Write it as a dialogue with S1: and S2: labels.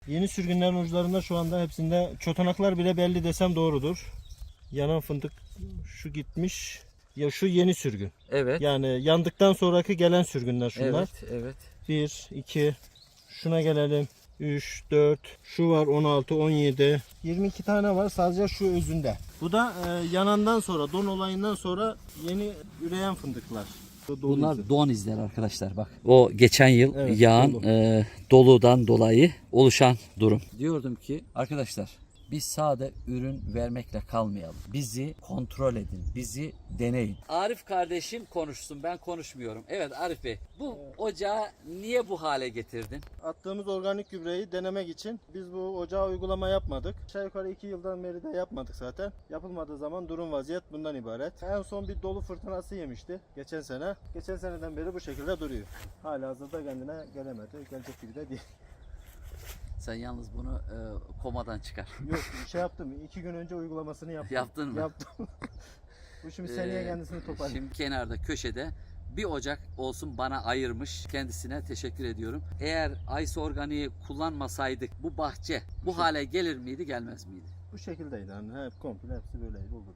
S1: Yeni sürgünlerin uçlarında şu anda hepsinde çotanaklar bile belli desem doğrudur. Yanan fındık şu gitmiş. Ya şu yeni sürgün.
S2: Evet.
S1: Yani yandıktan sonraki gelen sürgünler şunlar.
S2: Evet.
S1: 1, 2, şuna gelelim. 3, 4, şu var 16, 17, 22 tane var sadece şu özünde. Bu da yanandan sonra, don olayından sonra yeni üreyen fındıklar.
S2: Bunlar don izler arkadaşlar bak. O geçen yıl
S1: Evet,
S2: yağan
S1: dolu.
S2: doludan dolayı oluşan durum. Diyordum ki arkadaşlar biz sade ürün vermekle kalmayalım. Bizi kontrol edin. Bizi deneyin. Arif kardeşim konuşsun. Ben konuşmuyorum. Evet Arif Bey. Bu ocağı niye bu hale getirdin?
S1: Attığımız organik gübreyi denemek için biz bu ocağa uygulama yapmadık. Aşağı yukarı 2 yıldan beri de yapmadık zaten. Yapılmadığı zaman durum vaziyet bundan ibaret. En son bir dolu fırtınası yemişti geçen sene. Geçen seneden beri bu şekilde duruyor. Hala hazırda kendine gelemedi. Gelecek gibi de değil.
S2: Sen yalnız bunu komadan çıkar.
S1: Yok şey yaptım. 2 gün önce uygulamasını yaptım.
S2: Yaptın mı?
S1: Yaptım. Bu şimdi seneye kendisini toparlıyor.
S2: Şimdi kenarda köşede bir ocak olsun bana ayırmış. Kendisine teşekkür ediyorum. Eğer Ice Organik'i kullanmasaydık bu bahçe bu hale gelir miydi gelmez miydi?
S1: Bu şekildeydi. Yani hep komple hepsi böyleydi. Oldu.